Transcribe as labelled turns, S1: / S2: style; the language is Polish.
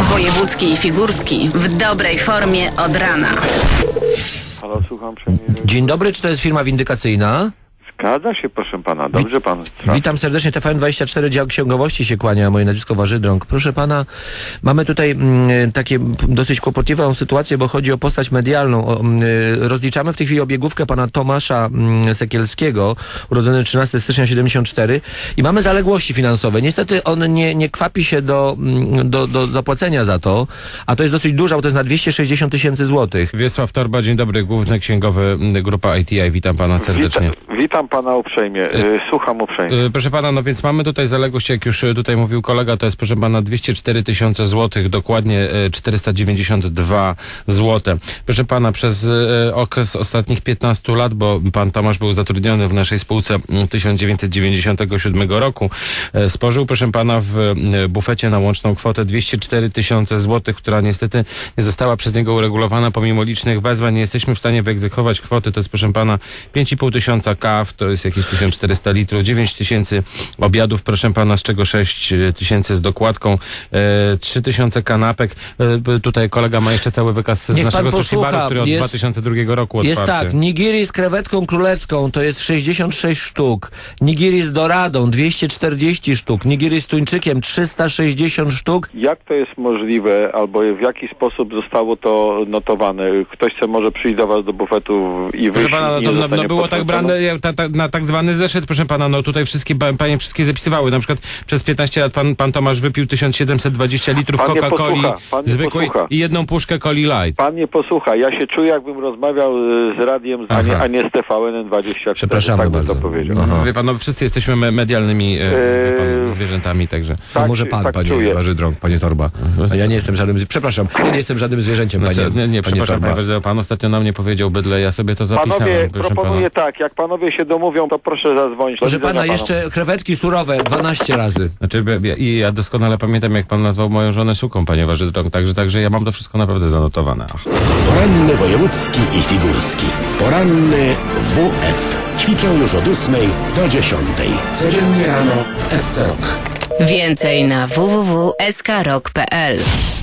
S1: Wojewódzki i Figurski w dobrej formie od rana.
S2: Halo, słucham przemieru.
S3: Dzień dobry, czy to jest firma windykacyjna?
S2: Zgadza się, proszę pana. Dobrze pan.
S3: Witam serdecznie, TVN24, dział księgowości się kłania, moje nazwisko Warzydrąg. Proszę pana, mamy tutaj takie dosyć kłopotliwą sytuację, bo chodzi o postać medialną. Rozliczamy w tej chwili obiegówkę pana Tomasza Sekielskiego, urodzony 13 stycznia 74 i mamy zaległości finansowe. Niestety on nie kwapi się do zapłacenia za to, a to jest dosyć dużo, bo to jest na 260 000 złotych.
S4: Wiesław Torba, dzień dobry, główny księgowy Grupa ITI, witam pana serdecznie.
S2: Witam pana uprzejmie, słucham uprzejmie.
S4: Proszę pana, no więc mamy tutaj zaległość, jak już tutaj mówił kolega, to jest proszę pana 204 000 złotych, dokładnie 492 złote. Proszę pana, przez okres ostatnich 15 lat, bo pan Tomasz był zatrudniony w naszej spółce 1997 roku, spożył proszę pana w bufecie na łączną kwotę 204 000 złotych, która niestety nie została przez niego uregulowana pomimo licznych wezwań. Nie jesteśmy w stanie wyegzekwować kwoty, to jest proszę pana 5500 kaw, to jest jakieś 1400 litrów, 9000 obiadów, proszę pana, z czego 6000 z dokładką, 3000 kanapek. Tutaj kolega ma jeszcze cały wykaz z naszego sushi baru, który od 2002 roku otwarty.
S3: Jest tak, nigiri z krewetką królewską to jest 66 sztuk, nigiri z doradą 240 sztuk, nigiri z tuńczykiem 360 sztuk.
S2: Jak to jest możliwe, albo w jaki sposób zostało to notowane? Ktoś chce może przyjść do was do bufetu i wyjść.
S4: Proszę pana, no było tak brane na tak zwany zeszyt, proszę pana, no tutaj panie wszystkie zapisywały, na przykład przez 15 lat pan Tomasz wypił 1720 litrów Coca-Coli zwykłej i jedną puszkę Coli Light.
S2: Pan nie posłucha, ja się czuję, jakbym rozmawiał z radiem, a nie z TVN-24.
S3: Przepraszamy
S2: tak
S3: bardzo.
S2: to powiedział.
S4: Wie pan, no wszyscy jesteśmy medialnymi zwierzętami, także.
S2: Tak,
S3: może pan,
S2: tak
S3: panie
S2: czuję.
S3: Warzydrąg, panie Torba. A ja nie jestem żadnym, przepraszam, ja nie jestem żadnym zwierzęciem, panie.
S4: Nie, przepraszam,
S3: Torba.
S4: panie Warzydrąg, pan ostatnio na mnie powiedział bydle, ja sobie to zapisałem.
S2: Panowie,
S4: proszę
S2: proponuję
S4: pana.
S2: tak, jak panowie się domówią, to proszę zadzwonić.
S3: Proszę pana, jeszcze krewetki surowe 12 razy.
S4: Znaczy, ja doskonale pamiętam, jak pan nazwał moją żonę suką, panie Warzydrąg, także ja mam to wszystko naprawdę zanotowane.
S5: Poranny wojewódzki i figurski. Poranny WF. Ćwiczą już od 8 do 10. Codziennie rano w SC Rock.
S1: Więcej na www.skrok.pl.